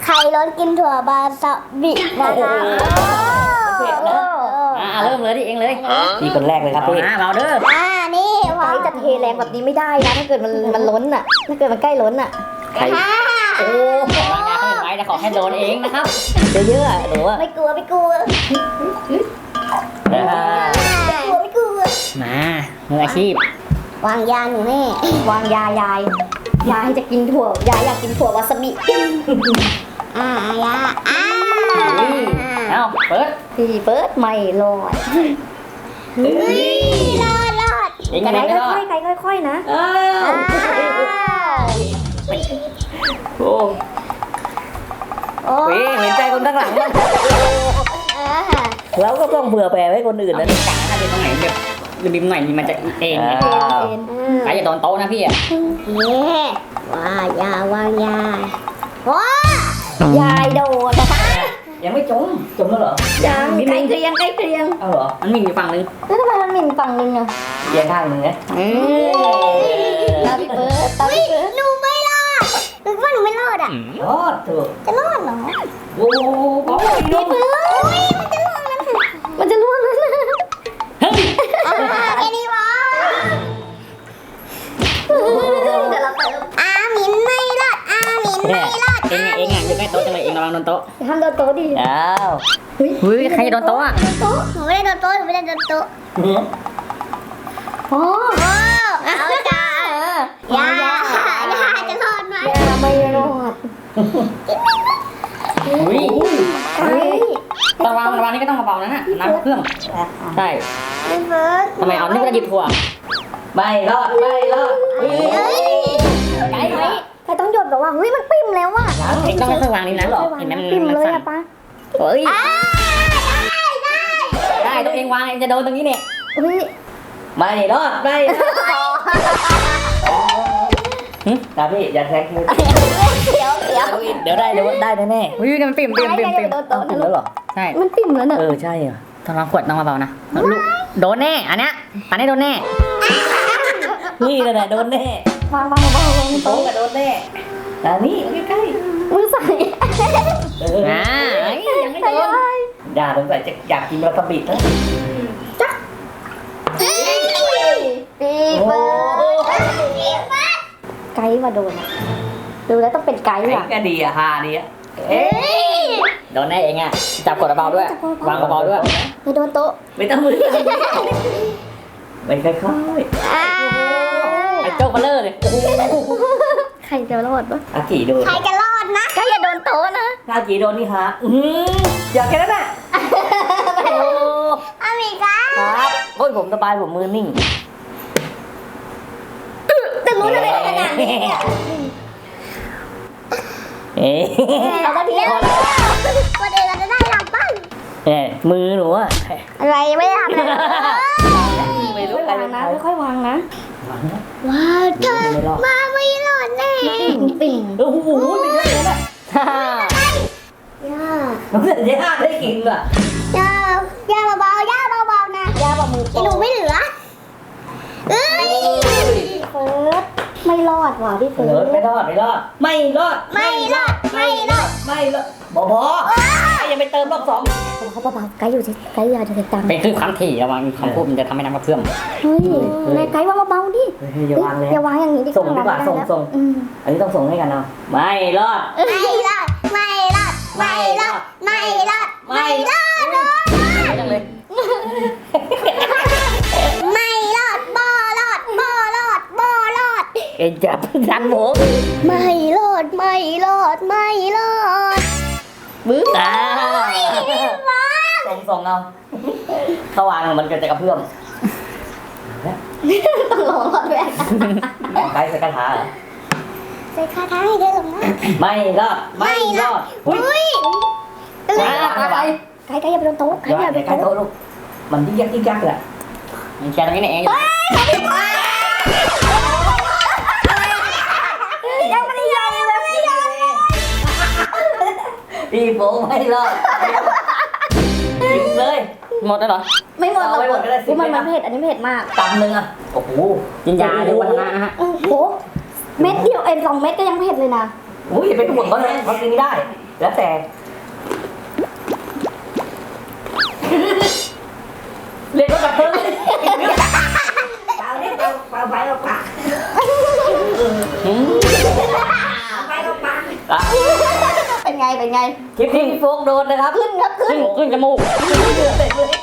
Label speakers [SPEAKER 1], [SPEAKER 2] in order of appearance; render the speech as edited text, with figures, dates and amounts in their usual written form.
[SPEAKER 1] ใครล้นกินถั่วบาซาบินะคะ
[SPEAKER 2] เผ็ดนะเริ่มเลยดิเองเลยพี่คนแรกเลยครับพี่เบาเด้อ
[SPEAKER 1] นี่
[SPEAKER 3] ไก่จะเทแรงแบบนี้ไม่ได้นะถ้าเกิดมันล้นอ่ะถ้าเกิดมันใกล้ล้นอ่ะ
[SPEAKER 2] ใครโอ้วางยาเขาไม่ไหวแต่ขอให้โดนเองนะครับเยอะๆหรือว่า
[SPEAKER 1] ไม่กลัว
[SPEAKER 3] ไม่กลัว
[SPEAKER 2] มามืออาชีพ
[SPEAKER 1] วางยาหนูแม่
[SPEAKER 3] วางยายจะกินถั่วยายอยากกินถั่ววาซาบิ
[SPEAKER 1] ยา
[SPEAKER 2] เอ้าเปิด
[SPEAKER 3] พี่เปิดไม่รอด
[SPEAKER 1] รอด
[SPEAKER 2] เองกันไม่รอด
[SPEAKER 3] ค่อยๆนะ
[SPEAKER 2] โอ้เห็นใจคนข้างหลังมั้งแล้วก็ต้องเผื่อแผ่ไว้คนอื่นนะกะถ้าเป็นตรงไหนแบบริมหน่อยมันจะเอ็นใครจะโดนโต๊ะนะพี่อ่ะ
[SPEAKER 1] ว่ายาวางยาว้
[SPEAKER 3] ายายโดนนะคะ
[SPEAKER 2] ยังไม่จมแล้วเหรอ
[SPEAKER 3] ยังใกล้เคียง
[SPEAKER 2] เอาเหรอมันมีอยู่ฝั่งนึง
[SPEAKER 3] แล้วทำไมมันมีฝั่งนึงอ่ะ
[SPEAKER 2] เอียงข้างนึงนะ
[SPEAKER 3] ตาพี่เบิร์ด
[SPEAKER 1] หนูไม่รอดหนูว่าหนูไม่รอดอ่ะ
[SPEAKER 2] รอดเถอะ
[SPEAKER 1] จะรอดเหรอ
[SPEAKER 2] โอ้
[SPEAKER 1] พี่เบิร์ด
[SPEAKER 3] มันจะล่วงแล้วนะ
[SPEAKER 2] เฮ้ย
[SPEAKER 1] แค่นี้วะมินไม่รอดมินไม่รอด
[SPEAKER 2] เองอยู่ใกล้โต๊ะจังเลยเองระวังโดนโต๊ะ
[SPEAKER 3] ห้ามโดนโต๊ะดิ
[SPEAKER 2] อ้าวเฮ้ยใครโดนโต๊ะอ่ะ
[SPEAKER 1] หนูไม่ได้โดนโต๊ะหนูไม่ได้โดนโต๊ะ
[SPEAKER 3] โอ้
[SPEAKER 1] เอาจ้ายาจะรอดไหม
[SPEAKER 3] ไม่รอด
[SPEAKER 2] ระวังนี่ก็ต้องเบาๆนะฮะน้ำเครื่องใช่ทำไมเอานี่ก็หยิบถั่วไม่รอด
[SPEAKER 3] ไก่ต้องหยดแบบว่าเฮ้ยมันปิ่มแล้วว่ะ
[SPEAKER 2] เองต้องค่อยๆวางนี่นะเห็นไหม
[SPEAKER 3] ปิ่มเลยอะป้า
[SPEAKER 2] เฮ้ยได้ตัวเองวางเองจะโดนตรงนี้เนี่ยไม่รอดตาพี่อย่าแทงเดี๋ยวได้แน่ๆอุ้ยมันปิ่มแล้วเหรอใช่
[SPEAKER 3] มันปิ่มแล้วเนอะ
[SPEAKER 2] ใช่ต้องวางขวดต้องเบาๆนะโดนแน่อันเนี้ยโดนแน่นี่เลยนะโดนแน่
[SPEAKER 3] วาง
[SPEAKER 2] โต๊ะโดนแน่อันนี้ใกล้
[SPEAKER 3] มือใส่
[SPEAKER 2] ยังไม่โดนอย่าสงสัยจะอยากกินวาซาบิแล้ว
[SPEAKER 3] จ๊ะปีเบิร์ดไก่มาโดนดูแล้วต้องเป็นไก่อ่ะ
[SPEAKER 2] ก็ดีฮาดีโดนแน่เองอ่ะจับกดเบาด้วยวางเบาด้วย
[SPEAKER 3] ไม่โดนโต๊ะ
[SPEAKER 2] ไม่ต้องมือไม่ค่อยไอ้โจ๊กมาเลอเลย
[SPEAKER 3] ใครจะรอดปะ
[SPEAKER 2] อากีโดน
[SPEAKER 1] ใครจะรอดนะ
[SPEAKER 3] ก็อย่าโดนโต๊ะนะ
[SPEAKER 2] อากีโดนนี่ฮะอย่าแค่นั้นแหละ
[SPEAKER 1] อามิก้า
[SPEAKER 2] ครับโอ้ยผมสบายผมมือนิ่ง
[SPEAKER 3] แต่รู้อะไรขนาดนี้
[SPEAKER 1] เราก็ทีคนเองเราจะได้หลับบ้าง
[SPEAKER 2] มือหนูอะ
[SPEAKER 1] อะไรไม่ทำเลย
[SPEAKER 2] ไม่รู้อะไรนะ
[SPEAKER 3] ค่อยๆวางนะ
[SPEAKER 1] ว้าวเธอมาไม่รอดแน่
[SPEAKER 3] ปิ่ง
[SPEAKER 2] โอ้โหไม่เยอะเลยนะน้องเสือย่าได้กินอ่ะ
[SPEAKER 1] ย่าเบาๆย่าเบาๆนะ
[SPEAKER 3] ย่าบอกมือ
[SPEAKER 1] หนูไม่เหลือ
[SPEAKER 3] เฟิร์สไม่รอดว่ะพี่เฟิร์ส
[SPEAKER 2] ไม่รอดบอยังไปเติมรอบสอง
[SPEAKER 3] เขาเบาๆไก่อยู่ที่ไก่ยาจะติดตาม
[SPEAKER 2] เป็นคือความถี่ระวังคำพูดมันจะทำให้น้ำกระเพื่อม
[SPEAKER 3] เฮ้ยนายไก่ว่าเบาๆดิ
[SPEAKER 2] อย่าวางเลย
[SPEAKER 3] อย่าวางอย่างนี้ดิ
[SPEAKER 2] ส่งดีกว่าส่งอันนี้ต้องส่งให้กันเนาะไม่รอดจังเลย
[SPEAKER 1] ไม่รอดบ่รอด
[SPEAKER 2] เอ็งจับดันหมู
[SPEAKER 1] ไม่รอด
[SPEAKER 2] บื้อส่งเอาถ้าวางมันก็จะกระเพื่อม
[SPEAKER 3] ต้องรอรอดแรก
[SPEAKER 2] ใส่คาถาเหรอ
[SPEAKER 1] ใส่คาถาให้ได้หรอ
[SPEAKER 2] ไม่รอด
[SPEAKER 1] อุ้ย
[SPEAKER 3] ไก่อย่าไปโดนโต๊ะไก่อย่าไปโต๊ะ
[SPEAKER 2] ลูกมันยิ่งยักแหละมันแค่ตรงนี้เอง
[SPEAKER 3] ยังไม่ได้ยอม
[SPEAKER 2] พี่โป้ไม่รอดกินเลยหมดแล้วเหรอ
[SPEAKER 3] ไม่หมดเรามันเผ็ดอันนี้เผ็ดมาก
[SPEAKER 2] กำนึงอ่ะโอ้โหกินยาเดี๋ยววัฒนะฮะ
[SPEAKER 3] โอ้โหเม็ดเดียว2 เม็ดก็ยังเผ็ดเลยนะ
[SPEAKER 2] อุ้ยเป็นห่วงเขาเลยเขากินได้แล้วแต่เรียกว่ากับเพิ่ง
[SPEAKER 1] เปล่าเนี่ยเปล่าไปเอาปากไปเอาปาก
[SPEAKER 3] เป็นไง
[SPEAKER 2] คลิปที่พี่โฟกโดนนะครับ
[SPEAKER 3] ขึ้นครับขึ้น
[SPEAKER 2] ขึ้นจมูก